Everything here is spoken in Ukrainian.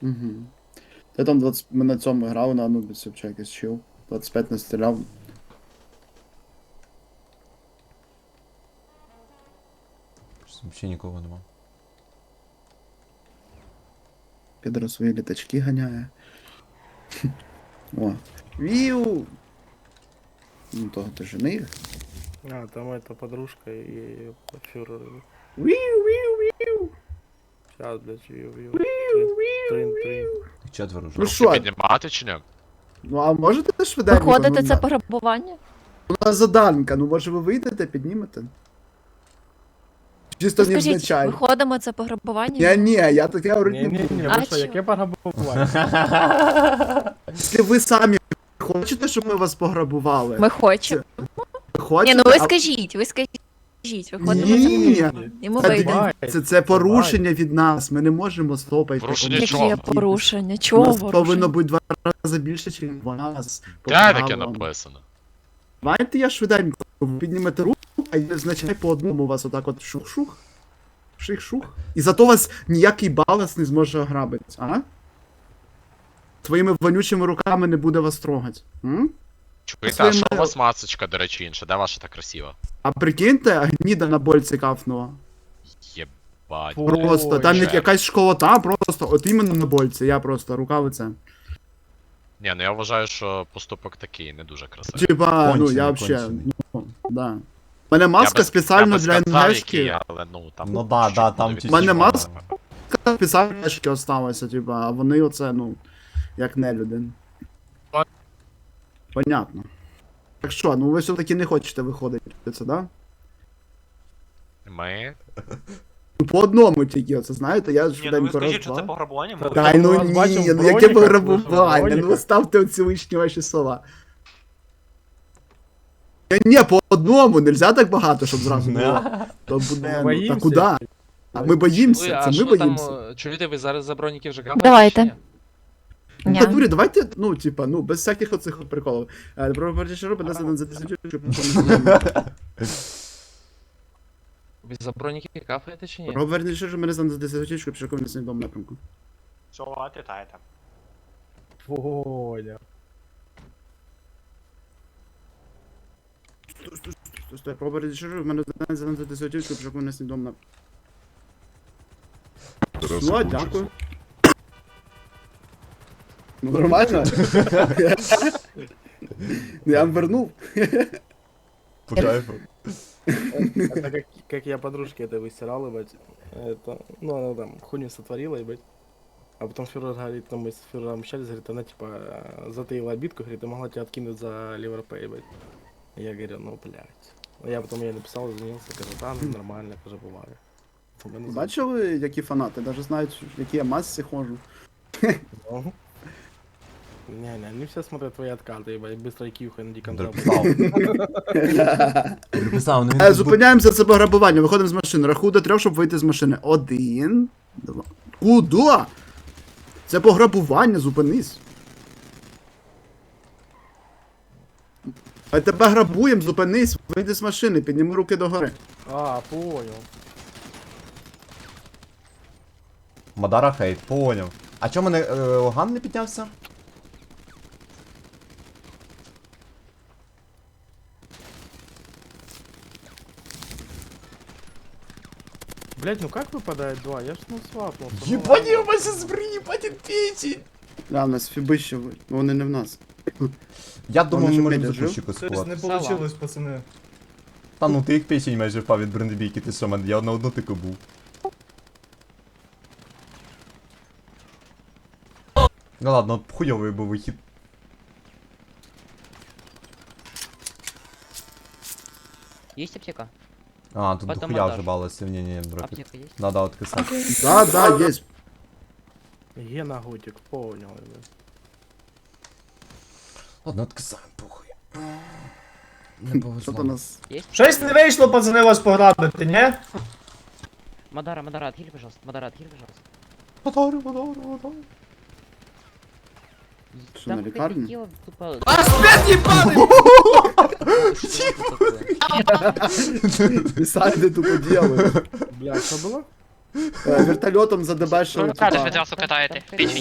Угу. Ти там 20... Ми на цьому грав на Анубісі, чи якийсь чил. 25 не стріляв. Взагалі нікого нема. Підро свої літачки ганяє. О. Віу! Ну того ти жених. А, там эта подружка и фюрер. Віу! Сейчас, блядь, вью. Віу! Четверо вже. Ну що? Піднімати чи ні? Ну а можете швиденько? Виходите, Ну, це пограбування? У нас заданка, ну може ви вийдете, піднімете? Чисто Скажіть, невзначай. виходимо, це пограбування? Ні, я таке говорити не буду. Не-не-не, А вы что, чё? яке пограбування? Якщо ви самі хочете, щоб ми вас пограбували? Ми хочемо. Ви хочете? Ні, ну ви а- скажіть, виходимо, це Ні, і ми Та вийдемо. це порушення від нас, ми не можемо стопати. Порушення Які чого? є порушення? У Чого нас повинно порушення? бути 2 рази більше, ніж вас. по Де таке правилам. написано? Давайте я швиденько, ви піднімете руку, а я значай по одному у вас отак от шух-шух. Ших-шух. І зато вас ніякий балас не зможе ограбити, а? Своїми вонючими руками не буде вас трогати. М? Чуєте, Своїми- а що у вас масочка, до речі, інша? Де ваша так красива? А прикиньте, гніда на больці кафнула. Єбать. Просто, там Боже. якась школота, просто, от іменно на больці, я просто, рука лице. Ні, ну я вважаю, що поступок такий, не дуже красивий. Типа, ну Кончений, я вообще, кончений. ну, да. У мене маска Я би спеціально для сказав, НГшки. який, але ну там. Ну да, да, там чуть-чуть чуть-чуть. Мене буде маска- відчувано. Спеціально для НГшки осталося, типа, а вони оце, ну, як нелюди. Понятно. Так що, ну ви все-таки не хочете виходити, це, да? Ми. Ну, по одному тільки, оце, знаєте, я Ні, ну ви швиденько скажіть, що це раз-два. пограбування? Та- Дай ну Ми вас бачимо ні, в ну яке броніках, пограбування, ви ж в ну броніках. ставте оці лишні ваші слова. Ні, по одному, нельзя так багато, щоб зразу було. То буде, ну, та боїмся. куди? А ми боїмося, це ми боїмося. Чуєте, ви зараз за броніки вже граєте? Давайте. Ну, Ні. та дурі, давайте, ну, типа, ну, без всяких оцих от приколів. Про що робить нас один за тисячу, щоб Ви за броніки кафаєте чи ні? Робert, що мене за тисячу, щоб шоком не снідом напрямку. Що, титаєте? Понял. Стой, Робert, що в мене за тисячу, щоб шоком не снідом напрямку. Ну, а дякую. Ну, нормально? Ну, я вам вернув. По кайфу. Это как я подружке это выстирал, ебать. Это, ну, она там хуйню сотворила, ебать. А потом фюрер говорит, там мы с фюрером общались, говорит, она типа затаила обидку, говорит, ты могла тебя откинуть за ливерпей, ебать. Я говорю, ну, блядь. Я потом ей написал, извинился, кажу, да, ну, нормально, тоже бывает. Бачили, які фанати? Даже знають, в які я масці ходжу. Не, не все смотрят твои откаты, ебать, быстро кьюхай на диком западе. Приписав. Приписав, ну він тут був- Зупиняємося, це пограбування, виходимо з машини. Рахую до 3, щоб вийти з машини. 1, 2. Куда? Це пограбування, зупинись. А тебе грабуємо, зупинись, вийди з машини, підніми руки догори. А, понял. Мадара хейт, поняв. А чому мене Оган не піднявся? Блять, ну как выпадает 2? Я ж ну свапнулся. ну Єбані, ладно. у вас зараз приїбать печі! Да, в нас фіби ще, вони не в нас. Я думав, Вони ми ж можемо медіа за кущику Щось склад. не получилось, пацани. Та ну ти як печень майже впав від брендебійки, ти що, я на одну тику був. Ну ладно, хуйовий був вихід. Есть аптека? А, тут Потом дохуя монтаж. вже балосів, ні, бро. Аптека есть? Надо откисати. Да, да, є. Гена Готик, понял, ебать. Ладно, откисаємо, похуй. Не Що повезло. то нас... Есть? Щось не вийшло, пацани, вас пограбити, ні? Мадара, отхили, пожалуйста. Мадара, отхили, пожалуйста. Мотору. Що, на лікарні? Дело, тупо... Писали тупо діяли. Бля, что было? Вертольотом задебешили. Катаєте, печень.